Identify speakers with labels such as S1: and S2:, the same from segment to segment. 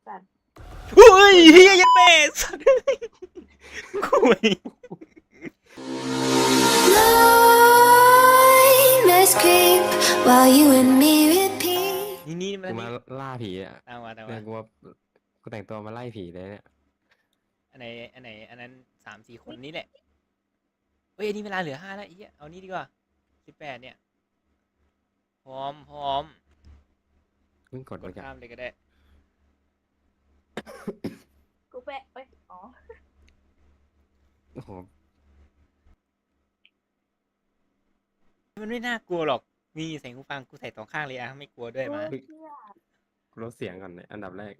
S1: สัตว์
S2: อุ้ยเฮียยันแม่สัตว์คุย
S3: Nightmares creep while you and me repeat.
S2: นี่มั
S4: กู
S2: น
S4: มาล่าผีอ่ะ
S2: ตามมา
S4: เนี่ยกูแต่งตัวมาไล่ผีเลยเนี่ย
S2: อันนั้น3-4 คนนี้แหละเฮ้ยอันนี้เวลาเหลือ5แล้วเฮียเอานี่ดีกว่า18เนี่ยพร้อม
S4: เพิ่งกด
S2: ก
S4: ไป
S2: ด
S4: กัน
S2: ข้ามเลยก็ได้
S1: กูแปะเอ้ยอ๋อ
S4: โอ้โห
S2: มันไม่น่ากลัวหรอกนี่ใส่หูฟังกูใส่2 ข้างเลยอะไม่กลัวด้วยมา
S1: เหี้ย
S4: กูลดเสียงก่อนเลยอันดับแรก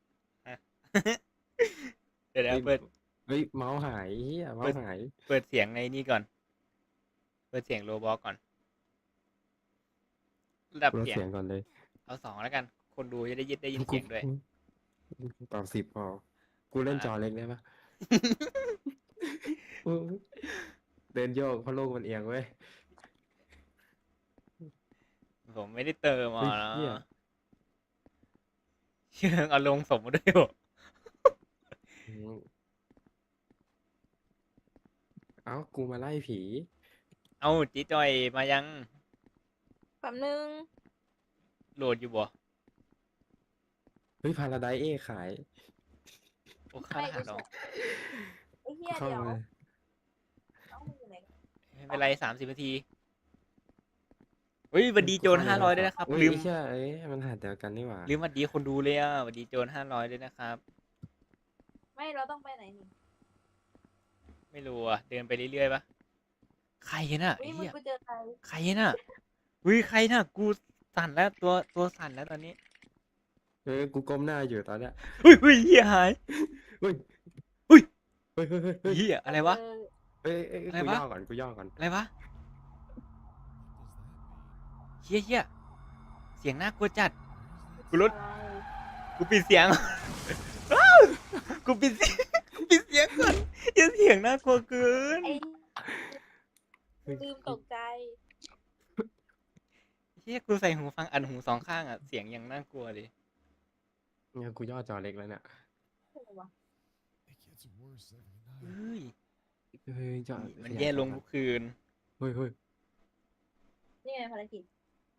S2: เดี๋ยวเปิด
S4: เฮ้ยเมาส์หายเฮียเมาส์หาย
S2: เปิดเสียงในนี่ก่อนเปิดเสียงโรบอทก่อนระดับ
S4: กูลด
S2: เสียง
S4: เสียงก่อนเลย
S2: เอา2แล้วกันคนดูจะได้ยินเสียงด้วย
S4: ตอบ10พอกูเล่นจอเล็กได้ปะ เดินโยกเพราะโลกมันเอียงเว้ย
S2: ผมไม่ได้เติมอ่ะ
S4: เฮ้ยเหี้ย
S2: เชื่อเอาลงสมมาด้วยบ่
S4: อืมเอ้ากูมาไล่ผี
S2: เอาจีจอยมายัง
S1: แป๊บนึง
S2: โหลดอยู่บ่
S4: เฮ้ยพาราไดเอขาย
S2: โอ้ค่ารหัสเหรอ
S1: ไอ้เหี้ย
S4: เข้า
S1: เดี๋ยว
S4: มา
S1: เอามึงอยู่ไหน
S2: ไม่เป็นไร30 นาทีเฮ้ยหวันดีโจร500ด้วยนะครับ
S4: อุ๊ย
S2: ลืม
S4: ใช่เอ้ยมันหาเดียวกันนี่หว่า
S2: ลืมหวัดดีคนดูเลยอ่ะหวัดดีโจร500ด้วยนะครับ
S1: ไม่เราต้องไปไหนนี่
S2: ไม่รู้อ่ะเดินไปเรื่อยๆปะใครน่ะ
S1: อุ้
S2: ไอ้
S1: ยมึง
S2: เหี้ย
S1: กูเจอใคร
S2: ใครน่ะอุ้ยใครน่ะกูสั่นแล้วตัวสั่นแล้วตอนนี้
S4: เฮ้ยกูก้มหน้าอยู่ตอนเนี้ย
S2: อุ้ยเหี้ยหาย
S4: เฮ้ย
S2: อุ๊ย
S4: เฮ้ยเฮ้ยเฮ้ยเฮ้ย
S2: เหี้ยอะไรวะ
S1: เจอ
S4: เฮ้ยเฮ้ย
S2: อะไร
S4: กู
S2: วะ
S4: ย่อก่อนกูย่อก่อน
S2: อะไรวะเหี้ยเสียงน่ากลัวจัดกูลด
S1: อะไร
S2: กูปิดเสียง กูปิดเสียงก่อนอย่าเสียงน่ากลัวเกิน
S1: ไอ้ลืมตกใจ
S2: เฮียกูใส่หูฟังอันหู2 ข้างอ่ะเสียงยังน่ากลัวเลย
S4: เนี่ยกูย่อจอเล็กแล้วเนี่ย
S1: เฮ้ยวะ
S2: เฮ้ย
S4: เฮ้ยจอ
S2: มันแย่ลงทุกคืน
S4: เฮ้ยเฮ้ย
S1: นี่ไงภารกิจ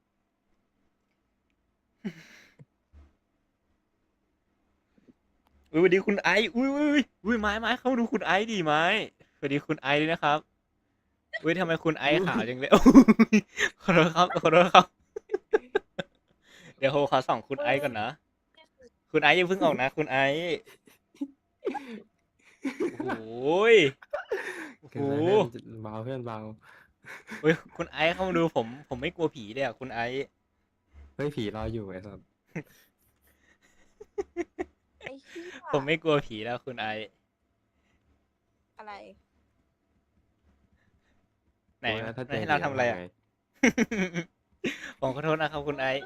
S2: อุ้ยสวัสดีคุณไอซ์อุ้ยไม้เข้ามาดูคุณไอซ์ดิไม้สวัสดีคุณไอซ์ด้วยนะครับอุ้ยทำไมคุณไอซ์ขาวจังเลยโอ้ยขอโทษครับ เดี๋ยวโฮขอส่องคุณไอซ์ก่อนนะคุณไอซ์อย่าเพิ่งออกนะ คุณไอซ์โอ้ยโอ้
S4: เกิ
S2: โห
S4: นไปเพื่อนเบาเพื่อนเบา
S2: เฮ้ยคุณไอซ์เข้ามาดูผมไม่กลัวผีเลยอ่ะคุณไอซ์
S4: เฮ้ยผีรออยู่ไอ้สัส
S1: ไอ้เหี้ย
S2: ผมไม่กลัวผีแล้วคุณไอซ์
S1: อะไร
S2: ไหน
S4: โอ้ยถ้
S2: ให้เราทำอะไรอ่ะ
S4: ง
S2: ผมขอโทษนะครับคุณไอซ์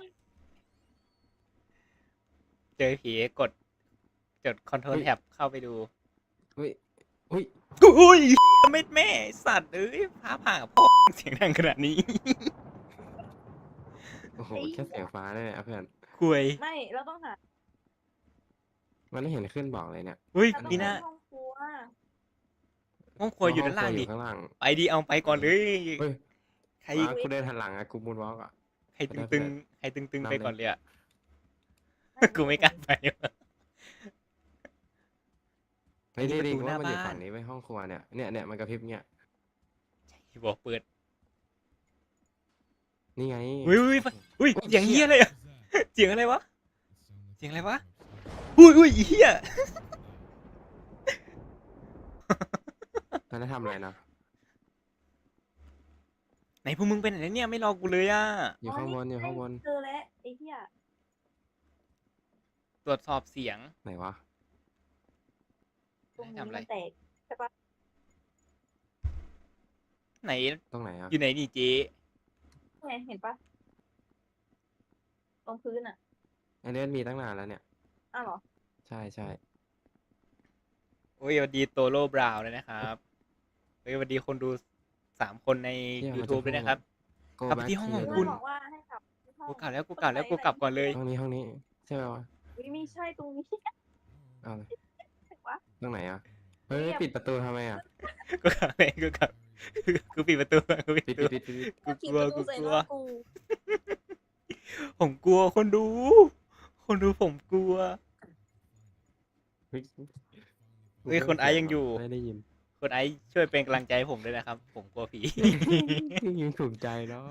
S2: เจอผีกดคอนโทรลแท็บเข้าไปดู
S4: เฮ้ยเฮ้ย
S2: อุ้ยไม่แม่สัตว์เอ้ยฟ้าผ่าพ่อเสียงดังขนาดนี้
S4: โอ้โหแค่เสียงฟ้าเนี่ยเพื่อน
S2: คุย
S1: ไม่เราต้องหา
S4: มันไม่เห็นขึ้นบอกเลยเนี่ย
S2: อุ้ย
S1: เราต้อง
S2: นี่นะ
S1: ไปห้องครัว
S2: ห้องครัวอยู่ด้านล่าง
S4: ห้
S2: ดิ
S4: ข้างล่าง
S2: ไปดีเอาไปก่อนเลย
S4: เฮ้ย
S2: ใคร
S4: มากูเดินหันหลังอะกูมูนวอล์กอะ
S2: ใครตึงไปก่อนเลยอ่ะ
S1: ไม่
S2: กูไม่กล้าไปว่ะ
S4: เฮ้ย
S2: นี่
S4: นี่
S2: ประตู
S4: กูว่ามันอยู่
S2: หน้าบ้าน
S4: ฝั่งนี้ไว้ห้องครัวเนี่ยมันกระพริบเนี่ย
S2: บอกเปิด
S4: นี่ไง
S2: อุ้ยเสียงเฮียอะไรอ่ะเสียงอะไรวะเสียงอะไรวะอุ้ยเฮีย
S4: ตอนนั้นทำอะไรนะ
S2: ไหนพวกมึงเป็นไหนเนี่ยไม่รอกูเลยอ่ะ
S4: อยู่ข้างบนอยู่ข้างบน
S1: เจอแล้วไอ้เหี้ย
S2: ตรวจสอบเสียง
S4: ไหนวะ
S1: ตรงนี้
S2: ทำอะไร
S1: มันแตกใช่ปะ
S2: ไหน
S4: ตรงไหนอะ
S2: อยู่ไหนนี่เจ๊
S1: ไงเห็นปะตรงพื้นอ่ะ
S4: อันนี้มีตั้งนานแล้วเนี่ย
S1: อ้าวเหรอ
S4: ใช่
S2: โอ้ยสวัสดีโตโร่บราวน์เลยนะครับเฮ้ยสวัสดีคนดู3 คนใน YouTube ด้วยนะครับ
S4: Go
S2: กลับไป
S4: back
S2: ที่ห้องของ
S4: here
S2: คุณ
S1: บอกว่าให้กลับที่ห้อง
S2: กูกลับแล้วกูกลับก่อนเลย
S4: ห้องนี้ใช่ไหมวะ
S1: อุ๊ยไม่ใช่ตรงนี้
S4: เอาเลย
S1: ไหนวะ
S4: ตรงไหนอ่ะเฮ้ย
S1: เนี่ย
S4: ปิดประตูทำไมอ่ะ
S2: กูขับเองกูขับกูปิดประตูกูปิด
S4: ปิ
S2: ป
S4: ด
S2: ระตู
S4: ปิดปิดปิด
S2: กู
S1: ปิ
S2: ก
S1: ด
S2: ลัว
S1: ประตู
S2: กู
S1: ใส่
S2: ก
S1: ห
S2: ลัว
S1: น้ากู
S2: ผมกลัวคนดู คนดูผมกลัว
S4: เฮ้ย
S2: เฮ้ยคนไอซ์ยังอยู่
S4: ไม่ได้ยิน
S2: คนไอซ์ช่วยเป็นกำลังใจให้ผมด้วยนะครับ ผมกลัวผี
S4: ยังถูกใจเนาะ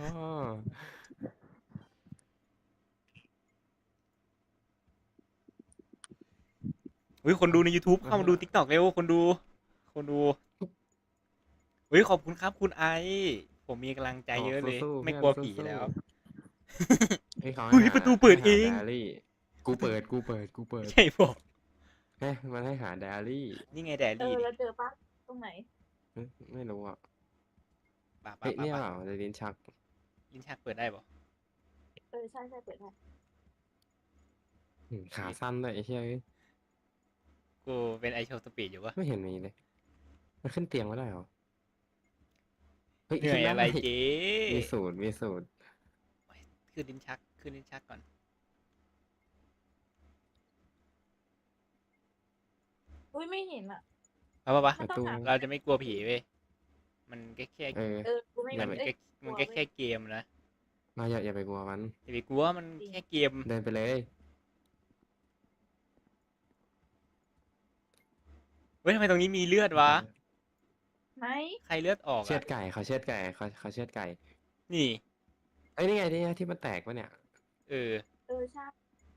S2: อุ้ยคนดูใน YouTube เข้ามาดู TikTok เร็วคนดูอุ้ยขอบคุณครับคุณไอซ์ผมมีกำลังใจเยอะเลย
S4: สู้ๆ
S2: ไม่กลัว
S4: เพื่อน
S2: ผี
S4: สู้ๆ
S2: แล้ว
S4: เฮ้ยเขา
S2: เฮ้ย
S4: ให้หา
S2: ประตูเปิดเอง
S4: ให้หา diary กูเปิด
S2: ใช่บอก
S4: เฮ้ยมันให้หา diary
S2: นี่ไงแด
S1: เอ
S2: รี่
S1: อ
S2: ดิ
S1: แล้วเจอปะตรงไหน
S4: เฮ้ยไม่รู้อ่ะ
S2: ป่า
S4: เฮ้ยเนี่ย
S2: ป่า
S4: เปล่าในลิ้นชัก
S2: ลิ้นชักเปิดได้บ่
S1: เออใช่ใช่เปิดได้
S4: ขาสั้นด้วยไอ้เหี้ยเอ้ย
S2: กูเป็นไอโชว์สปีดอยู่วะ
S4: ไม่เห็นมีเลย มันขึ้นเตียงไม่ได้เหรอ เฮ้ย
S2: เหนื่อย
S4: ขึ้นด้
S2: อะไรเจ๊
S4: มีสูตร
S2: ขึ้นลิ้นชักก่อน
S1: อุ้ยไม่เห็นอ่ะ
S2: ป่ะ
S1: มันต้องหา
S2: เราจะไม่กลัวผีเว้ยมันแค่
S4: เออ
S1: เออกูไม่
S2: มัน
S1: เอ้ย
S2: มันแค่เกมนะ
S4: มาอย่าไปกลัวมัน
S2: อย่าไปกลัวมันแค่เกม
S4: เดินไปเลย
S2: เฮ้ยทำไมตรงนี้มีเลือดวะ
S1: ไหน
S2: ใครเลือดออก
S4: เชือ
S2: อ่ะ
S4: ดไก่เขาเชือดไก่เขาเชือดไก่
S2: นี่
S4: เอ้ยนี่ไงนี่ไงที่มันแตกปะเนี่ย
S2: เออ
S1: เออใช่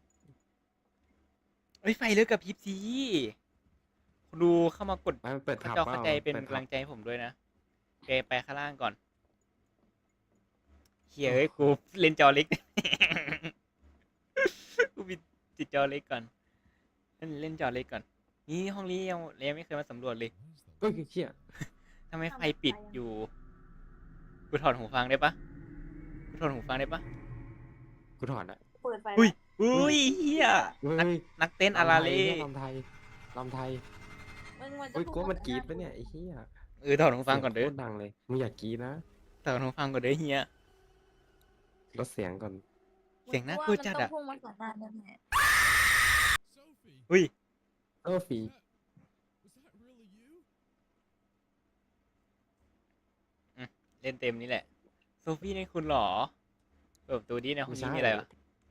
S2: เฮ้ยไฟเลือดกับพริบซีคนดูเข้ามากด
S4: มันเปิด
S2: พระ
S4: ทับ
S2: เจ้า
S4: เป
S2: เข้า
S4: ล่า
S2: ใจเป็น
S4: ปิด
S2: กำ
S4: ทั
S2: ลั
S4: บ
S2: งใจให้ผมด้วยนะไปข้างล่างก่อนเฮียเอ้ยกูเล่นจอเล็ก กูปิดติดจอเล็กก่อนเล่นจอเล็กก่อน นี่ห้องนี้ยังไม่เคยมาสำรวจเลย
S4: เฮ้ยเชี่ย
S2: ทำไมไฟปิดอยู่ กูถอดหูฟังได้ปะกูถอดหูฟังได้ปะ
S4: กูถอดละ
S1: เปิดไฟ
S2: อุ้ย
S1: แล้ว
S2: อุ้ยเฮีย
S4: เฮ้ย
S2: นักเต้นอาราเล่
S4: ลำไทยลำไทย
S1: มันจะ
S4: เฮ้ย
S1: พูด
S4: กูว่ามัน
S1: กับ
S4: กรีด
S1: หา
S4: ปะเนี่ยไอ้เหี้ย
S2: ถอดหูฟังก่อนเด้อ
S4: สียโคตรดังเลยมึงอย่ากรีดนะ
S2: ถอดหูฟังก่อนเด้อเฮีย
S4: ลดเสียงก่อน
S2: เสียงน่ากลัวจัดอะ
S1: มันต้องพุ่งมาก่อนหน้าแน่
S2: อุ้ย
S4: ฟรี
S2: เล่นเต็มนี่แหละ โซฟี่นี่คุณเหรอเปิดประตูดีในห้องนี้มีอะไรวะ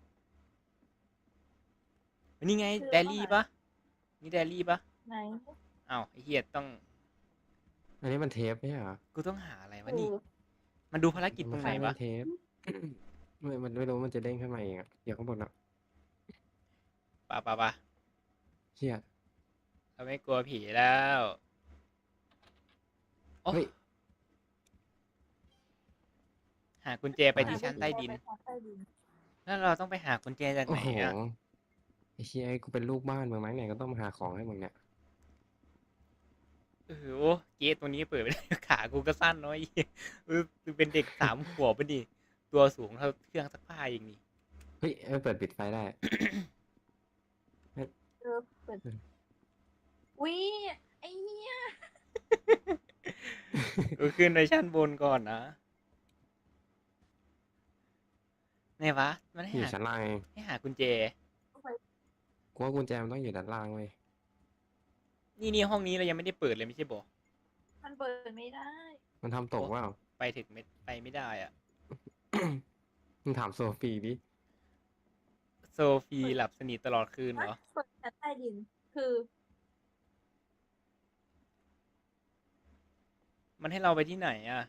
S2: นี่ไงแดรี่ปะนี่แดรี่ปะ
S1: ๆไหน
S2: อ้าวไอ้เฮียต้อง
S4: อันนี้มันเทปไม่ใช่เหรอ
S2: กูต้องหาอะไรวะ
S1: เอ
S2: นี่
S1: อ
S2: มันดูภารกิจตรงไหนวะ
S4: เทป มันไม่รู้มันจะเด้งขึ้นมาเองอะเดี๋ยวข้างบนอะ
S2: ป่ะ
S4: เชี่ย
S2: เราไม่กลัวผีแล้วโอ้
S4: เฮ้ย
S2: หากุญแจไปที่ชั้นใต้ดิน
S1: ไปชั้นใต้ดิน
S2: แล้วเราต้องไปหากุญแจจาก
S4: โอ้
S2: ไหน
S4: โห
S2: อ่ะ
S4: ไอ้เชี่ยไอ้กูเป็นลูกบ้านมึงไหมเนี่ยก็ต้องมาหาของให้มึงเนี่ย
S2: โอ้เกตตัวนี้เปิดไม่ได้ ขากูก็สั้นน้อยกูเป็นเด็ก3 ขวบปะดิตัวสูงเท่าเครื่องซักผ้าอย่างนี้
S4: เฮ้ยเปิดปิดไฟได้
S1: เออเปิดอุ้ยไอ้เหี้ย
S2: กูขึ้นไปชั้นบนก่อนนะไหนวะมันให้
S4: อยู่
S2: หา
S4: ชั้นล่างเอง
S2: ให้หากุญแจ
S4: กูว่ากุญแจมันต้องอยู่ด้านล่างเว้ย
S2: นี่ห้องนี้เรายังไม่ได้เปิดเลยไม่ใช่บอก
S1: มันเปิดไม่ได้
S4: มันทำตกว่า
S2: ไปถึงไปไม่ได้อ่ะ
S4: มึงถามโซฟีดิ
S2: โซฟีหลับสนิทตลอดคืนเหรอ
S1: เปิดชั้นใต้ดิน คือ
S2: มันให้เราไปที่ไหนอ่ะ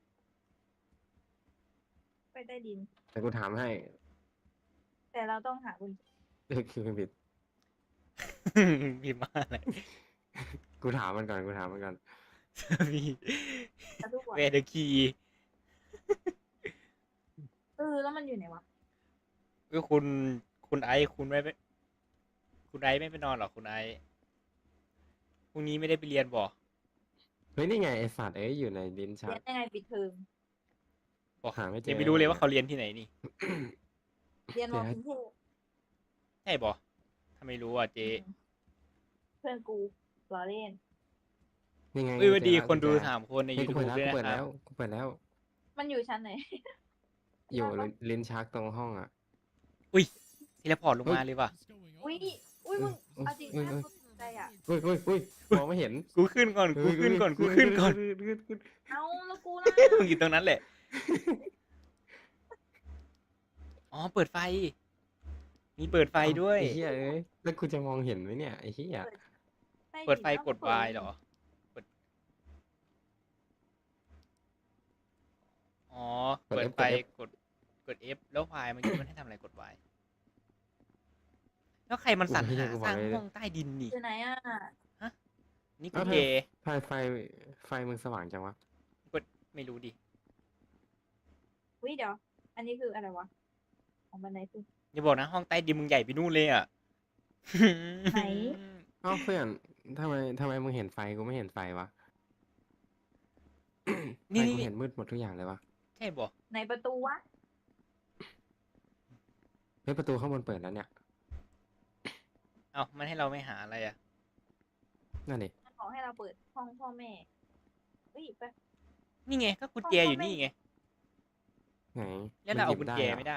S1: ไปใต้ดิน
S4: แต่กูถามให้
S1: แต่เราต้องหากุญแจ
S4: คือผิด
S2: พิมพ์มาอะไร
S4: กูถามมันก่อน
S2: โซฟี
S1: แล้วทุกวัน
S2: เวเดอร์คี
S1: แล้วมันอยู่ไหนวะ
S2: คุณไอซ์คุณไอซ์ไม่ไปนอนหรอคุณไอซ์พรุ่งนี้ไม่ได้ไปเรียนบ่
S4: เฮ้ยนี่ไงไอสัตว์อยู่ในลิ้นชั
S1: เรีย
S4: ก
S1: นยังไงปิดเทอม
S2: บอก
S4: หาไม่เจอ
S2: ยังไม่รู้เลยว่าเขาเรียนที่ไหนนี่
S1: เรียนมอกรุงเทพ
S2: ใช่บ่ถ้าไม่รู้อ่ะเจ๊
S1: เพื่อนกูล้อเล่น
S4: นี่ไง
S2: เอ้ยสวัสดี
S4: เจอแล้ว
S2: คนดู
S4: กุญแจ
S2: 3 คนใน
S4: เฮ้ยกู
S2: YouTube
S4: เปิดแล้ว
S2: ด้วย
S4: กูเปิด
S2: นะครั
S4: แล้
S2: บ
S4: วกูเปิดแล้ว
S1: มันอยู่ชั้นไหน
S4: อยู่ลิ้นชักตรงห้องอ่ะ
S2: อุ้ยเทเลพอร์ตลงมาเลยว่ะ
S1: อุ้ยอุ้ยมึงเอาจริงนะกูตกใจอ่ะ
S4: เฮ้ยเฮ้ยเฮ้ยมองไม่เห็น
S2: กูขึ้นก่อนกูขึ้นก่อนกูขึ้นก่อน
S4: ขึ้น
S1: เอาแล้วกูล่ะ
S2: มึงอยู่ตรงนั้นแหละอ๋อเปิดไฟ มีเปิดไฟด้วย
S4: ไอ้เหี้ยเอ้ยแล้วกูจะมองเห็นไหมเนี่ยไอ้เหี้ย
S2: เปิดไฟกด Y เหรอ อ๋อ เปิดไฟกด F แล้ว Y มันมันให้ทำอะไรกด Y แล้วใครมันสรรหาสร้างห้องใต้ดินนี่
S1: อยู่ไหนอ่ะ
S2: นี่กูเท
S4: ไฟมึงสว่างจังวะ
S2: ไม่รู้ดิ
S1: อุ้ยเดี๋ยว อันนี้คืออะไรวะของบันไดคือ
S2: อย่าบอกนะห้องใต้ดินมึงใหญ่ไปนู่นเลยอ่ะ
S1: ไหน
S4: เอ้าเพื่อนทำไมมึงเห็นไฟกูไม่เห็นไฟวะ
S2: นี่
S4: ไฟกูเห็นมืดหมดทุกอย่างเลยวะ
S2: ใช่บอก
S1: ในประตูวะ
S4: เฮ้ยประตูข้างบนเปิดแล้วเนี่ย
S2: เอ้ามันให้เราไม่หาอะไรอ่ะ
S4: นั่นดิ
S1: มันบอกให้เราเปิดห้องพ่อแม่เฮ้ยไป
S2: นี่ไงก็กุญแจอยู่นี่ไง
S4: ไหน
S2: แล้วเราเอากุญแจ
S4: หร
S2: ไม่ได้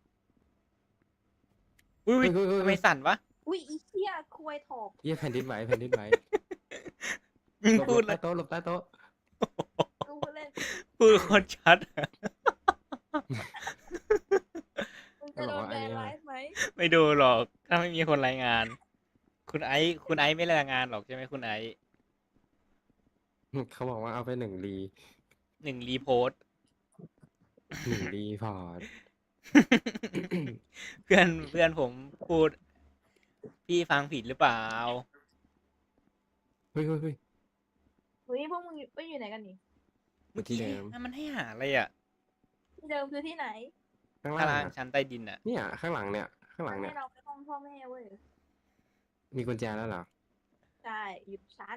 S2: อุ้ย
S4: เฮ้ยเฮ้ยเฮ้ย
S2: ทำไมสั่นวะ
S1: อุ้ยอีเหี้ยคุยถอก
S4: เหี้ยแผ่นดินไหวแผ่นดินไหว
S2: มึง
S4: หลบ
S2: พูด
S4: ใต้โต๊ะหลบใต้โต๊ะ
S1: กูเล่น
S2: พูดโคนชัดอะ
S1: มึงจะโดนแบนไลฟ์ไหม
S2: ไม่ดูหรอก ถ้าไม่มีคนรายงาน คุณไอซ์ไม่รายงานหรอกใช่ไหมคุณไอซ์
S4: เขาบอกว่าเอาไป1 รี
S2: 1 รีโพสต์
S4: 1 รีพอร์ต
S2: เพื่อนผมพูด พี่ฟังผิดหรือเปล่า
S4: เฮ้ยเฮ้ยเฮ้ย
S1: เฮ้ยพวกมึงไปอยู่ไหนกันนี่
S2: เมื่อกี้
S4: ที่เดิม
S2: มันให้หาอะไรอ่ะ
S1: ที่เดิมคือที่ไหน
S4: ข้าง
S2: ข้าง
S4: ล่า
S2: ล่าง ง
S4: อะ
S2: ชั้นใต้ดินอ่ะ
S4: เนี่ยข้างหลังเนี่ยข้างหลังเนี่ย
S1: ให้เราไปห้องพ่อแม่เว้ย
S4: มีกุญแจแล้วเหรอ
S1: ใช่อยู่ชั้น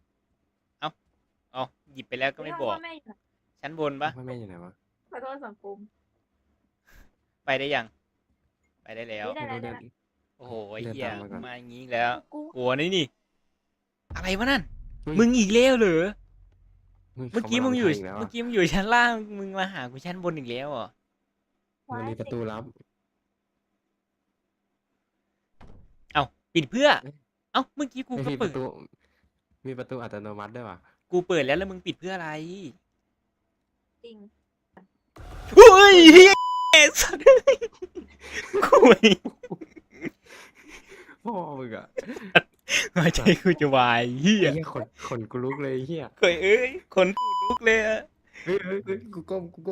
S2: อ๋อหยิบไปแล้วก็ไม่บอก
S1: ห้องพ่อแม่อยู่ไหน
S2: ชั้นบนปะ
S4: พ่อแม่อยู่ไหนวะ
S1: ขอโทษสังคม
S2: ไปได้ยัง ไปได้แล้ว
S1: ไม่ได้
S4: ไม่รู้เดิน
S2: โอ้โหไอ้
S4: เดิน
S2: เหี้ย
S4: ตามมาก่อน
S2: มาอย่างงี้แล้ว
S1: กู
S2: โหัวนี่ อะไรวะนั่น
S4: เฮ้ย
S2: มึงอีกแล้วเหรอ
S4: ฮ้ย
S2: เมื่อกี้
S4: ขาา
S2: มึงอยู่
S4: ทำกแล้ว
S2: เมื่อ
S4: อะ
S2: กี้มึงอยู่ชั้นล่าง มึงมาหากูชั้นบนอีกแล้วเหรอ
S4: มันมีประตูลับ
S2: เอ้าปิดเพื่อ
S4: เอ๊ะ
S2: เอ้าเมื่อกี้กู
S4: ไม่
S2: ก็
S4: มีป
S2: เปิด
S4: ระตู มีประตูอัตโนมัติด้วยว่ะ
S2: กูเปิดแล้วมึงปิดเพื่ออะไร
S1: จริง
S2: อุ้ยเหี้ยสัตว์คุย
S4: พ่อมึงอะ
S2: หัวใจกูจะวายเฮีย
S4: ไอ้เหี้ยขนกูลุกเลยไอ้เฮีย
S2: เคยเอ้ยคนตูดลุกเลยอะ
S4: เฮ้ยเฮ้ยเฮ้ยกูก้ม
S2: กู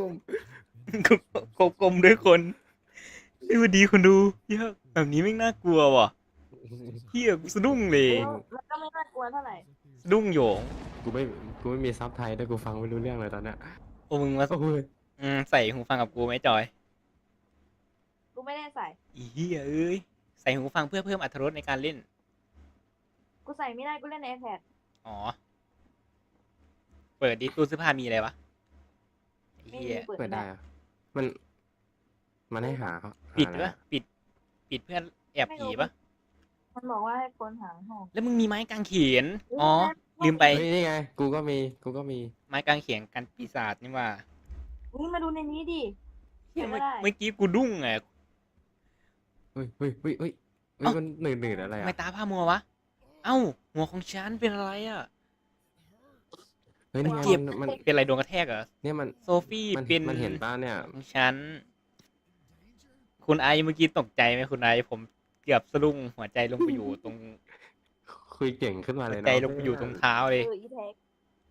S2: กลมด้วยคนไอ้ยวันดีคนดูเฮียแบบนี้ไม่งน่ากลัวว่ะเฮียกูสะดุ้งเลย
S1: มันก็ไม่น่ากลัวเท่าไหร่
S2: สะดุ้งโหยง
S4: กูไม่มีซับไทยด้วยกูฟังไม่รู้เรื่องเลยตอนเนี้ย
S2: โอ้มึงมา
S4: โอ้ย
S2: ใส่หูฟังกับกูไหมจอย
S1: กูไม่ได้ใส่
S2: อีเฮียเอ้ยใส่หูฟังเพื่อเพิ่มอรรถรสในการเล่น
S1: กูใส่ไม่ได้กูเล่นใน iPad
S2: อ๋อ เปิดดิตู้เสื้อผ้ามีอะไรวะไอ้
S1: ไม่
S2: เฮี
S1: มี
S2: ย
S1: เปิด
S4: เปิด
S1: ไม่
S4: ได้
S1: ได้
S4: อะมันให้หาเขา
S2: ปิด
S4: หาอะไร
S2: ปะ
S4: อะ
S2: ปิดเพื่อนแอบผีปะ
S1: มันบอกว่าให้คนหาห้อง
S2: แล้วมึงมีไม้กางเขนอ๋อ ลืมไป
S4: เฮ้ยนี่ไง กูก็มี
S2: ไม้กางเขนกันปีศาจนี่ว่า
S1: นี่มาดูในนี้ดิ
S2: เหี้ย
S1: ไม่ได้
S2: เมื่อกี้กูดุ้งไง
S4: เฮ้ยเฮ้ยเฮ้ยเฮ้ยเฮ้ย
S2: เอ้า
S4: มันหนืดอะไร
S2: ทำ
S4: อะ
S2: ไมตาผ้ามัววะ เอ้า หัวของฉันเป็นอะไรอ่ะ
S4: เฮ้ยนี่
S2: มัน
S4: ไง
S2: เจ็บ
S4: มัน
S2: เป็นอะไรโดนกระแทกเหรอ
S4: เนี่ยมัน
S2: โซฟี่
S4: มัน
S2: เป็น
S4: มันเห็นป้าเนี่ย
S2: ของฉัน คุณไอซ์เมื่อกี้ตกใจไหมคุณไอซ์ผมเกือบสะดุ้งหัวใจลงไปอยู่ตรง
S4: คุยเก่งขึ้นมา
S2: หั
S4: เล
S2: วย
S4: นะ
S2: ใจลงไปอยู่ตรงเท้าเลย
S1: อีแท็ก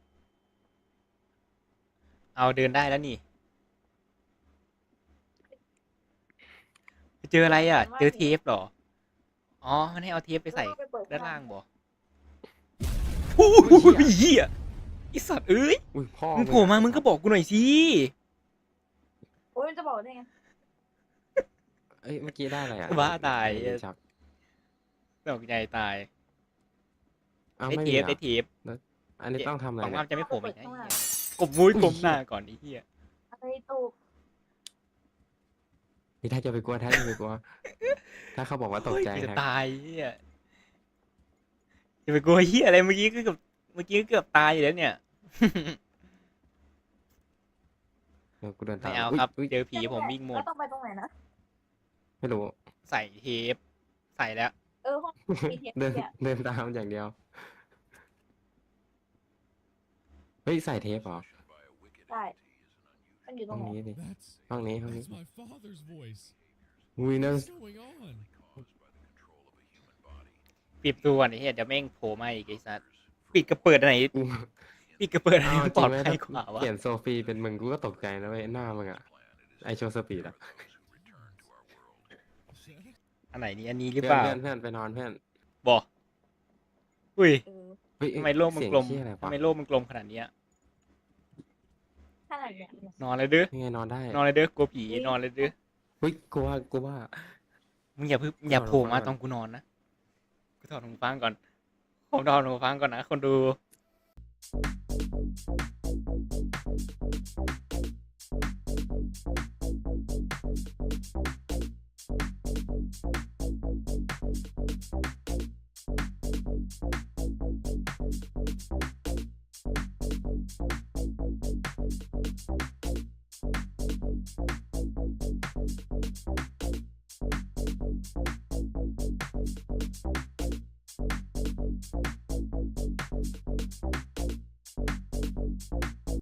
S2: เอาเดินได้แล้วนี่ เจออะไรอ่ะ เจอเทปเหรอ อ๋อ มันให้เอาเทปไปใส่ด้านล่างบ่โอ้ยเหี้ยไอสัตว์เอ้ย
S4: อุ้ยพ่อ
S2: มึงโผล่มามึงก็บอกกูหน่อยสิ
S1: โอ้ยมันจะบอกได้ไง
S4: เอ้ยเมื่อกี้ได้อะไรอะ
S2: บ้าตาย
S4: จับ
S2: ตกใจตาย
S4: อ้าว
S2: ได้
S4: ไม่
S2: เท
S4: มี
S2: ป
S4: อะ
S2: ได้เทป
S4: อันนี้ต้องทำอะไร
S2: ของ
S4: เนี่
S2: อ้าม
S4: ย
S2: จะไม่โผล่มาอีกนะ
S1: ข้างหลัง
S2: ไอ้เหี้ยกบมุ้ย
S4: อุ้ย
S2: กบหน้าก่อนไอ้เหี้ย
S1: อะไรตูก
S4: นี่ถ้าจะไปกลัวถ้าเขาบอกว่าตกใจ
S2: โอ้ยจะ
S4: แฮะ
S2: ตายเหี้ยจะไปกลัวเหี้ยอะไรเมื่อกี้ก็เกือบตายอยู่แล้วเนี่ย
S4: เดี๋ยวกูเดินตา
S2: ไม่
S4: ม
S2: เอา
S4: อุ๊ย
S2: ครับ
S4: อุ๊ย
S2: เจอผีผมวิ่งหมด
S1: แล้วต้องไปตรงไหนนะ
S4: ไม่รู้
S2: ใส่เทปใส่แล้ว
S1: ห้องมีเทป
S4: เดิน
S1: เนี่ย
S4: เดินตามอย่างเดียว เฮ้ยใส่เทปเหรอ
S1: ใช่มันอยู่ตร
S4: ห้อง ง
S1: ไหน
S4: นี้ดิ
S5: That's
S4: ห้องนี้ห้องนี้
S5: that's my father's voice.
S4: อุ้ยนั่น
S5: What's going on?
S2: ปิดตัวก่อนไอ้เหี้ยเดี๋ยวแม่งโผล่มาอีกไอ้สัสปิดกระเปิดอันไหน
S4: กู
S2: ปิดกระเปิดอันไหน
S4: เอา
S2: ป
S4: จ
S2: ล
S4: ริ
S2: อง ด
S4: ไหม
S2: ภั
S4: ถ้าย
S2: กว่าวะ
S4: เปลี่ยนโซฟีเป็นมึงกูก็ตกใจนะเว้ยหน้ามึงอะไอโชว์สปีดอะ
S2: อันไหนนี่อันนี้หรือ
S4: เพื่
S2: เป
S4: อน
S2: ล่า
S4: เพื่อนเพื่อนไปนอนเพื่อน
S2: บอกอุ้ย
S4: เฮ้ย
S2: ทำไมโลกมันกลม
S4: เสียงเหี้ยอะไร
S2: ทำ
S4: วะ
S2: ไมโลกมันกลมขนาดเนี้ย
S1: ขนาดเนี้ย
S2: นอนเลยเด้อ
S4: ยังไงนอนได้
S2: นอนเลยเด้อกลัวผีนอนเลยเด้อ
S4: เฮ้ยกูว่า
S2: มึงอย่าเพิ่งอย่า
S4: ถอด
S2: โผล่มา
S4: หูฟังก่อน
S2: ตอนกูนอนนะกูถอดหูฟังก่อนผมถอดหูฟังก่อนนะคนดู